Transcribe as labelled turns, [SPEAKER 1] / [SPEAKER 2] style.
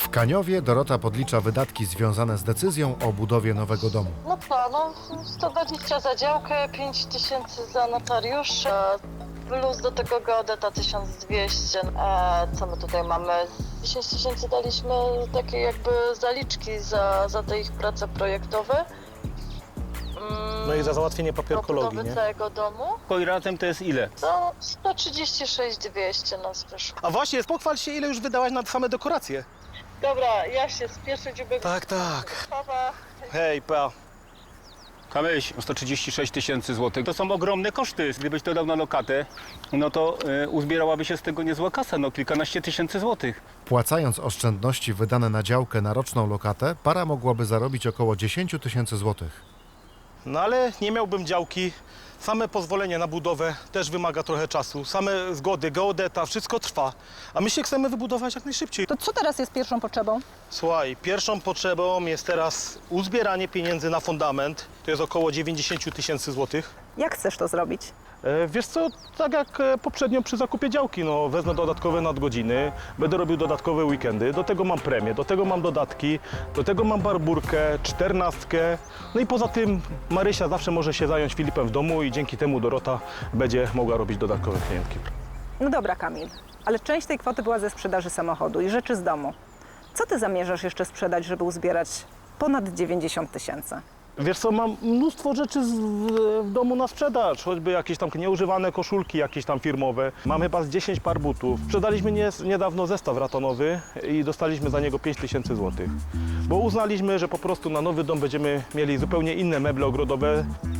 [SPEAKER 1] W Kaniowie Dorota podlicza wydatki związane z decyzją o budowie nowego domu.
[SPEAKER 2] No co, 120 za działkę, 5000 za notariusza, plus do tego geodeta 1200. Co my tutaj mamy? 10 000 daliśmy takie jakby zaliczki za te ich prace projektowe.
[SPEAKER 3] No i za załatwienie
[SPEAKER 2] Do
[SPEAKER 3] papierkologii,
[SPEAKER 2] budowy
[SPEAKER 3] nie?
[SPEAKER 2] całego domu.
[SPEAKER 4] I razem to jest ile?
[SPEAKER 2] To 136 200 nas wyszło.
[SPEAKER 3] A właśnie, pochwal się, ile już wydałaś na same dekoracje.
[SPEAKER 2] Dobra, ja się spieszę, dziubek.
[SPEAKER 3] Tak, tak.
[SPEAKER 2] Sprawa.
[SPEAKER 3] Hej, pa.
[SPEAKER 4] Kamyś, 136 tysięcy złotych. To są ogromne koszty. Gdybyś to dał na lokatę, no to uzbierałaby się z tego niezła kasa, no kilkanaście tysięcy złotych.
[SPEAKER 1] Płacając oszczędności wydane na działkę na roczną lokatę, para mogłaby zarobić około 10 000 złotych.
[SPEAKER 3] No ale nie miałbym działki. Same pozwolenie na budowę też wymaga trochę czasu. Same zgody, geodeta, wszystko trwa. A my się chcemy wybudować jak najszybciej.
[SPEAKER 5] To co teraz jest pierwszą potrzebą?
[SPEAKER 3] Słuchaj, pierwszą potrzebą jest teraz uzbieranie pieniędzy na fundament. To jest około 90 tysięcy złotych.
[SPEAKER 5] Jak chcesz to zrobić?
[SPEAKER 3] Wiesz co, tak jak poprzednio przy zakupie działki, no wezmę dodatkowe nadgodziny, będę robił dodatkowe weekendy, do tego mam premię, do tego mam dodatki, do tego mam barburkę, 14. No i poza tym Marysia zawsze może się zająć Filipem w domu i dzięki temu Dorota będzie mogła robić dodatkowe klientki.
[SPEAKER 5] No dobra, Kamil, ale część tej kwoty była ze sprzedaży samochodu i rzeczy z domu. Co ty zamierzasz jeszcze sprzedać, żeby uzbierać ponad 90 tysięcy?
[SPEAKER 3] Wiesz co, mam mnóstwo rzeczy w domu na sprzedaż, choćby jakieś tam nieużywane koszulki, jakieś tam firmowe. Mam chyba z 10 par butów. Sprzedaliśmy niedawno zestaw ratonowy i dostaliśmy za niego 5 tysięcy złotych. Bo uznaliśmy, że po prostu na nowy dom będziemy mieli zupełnie inne meble ogrodowe.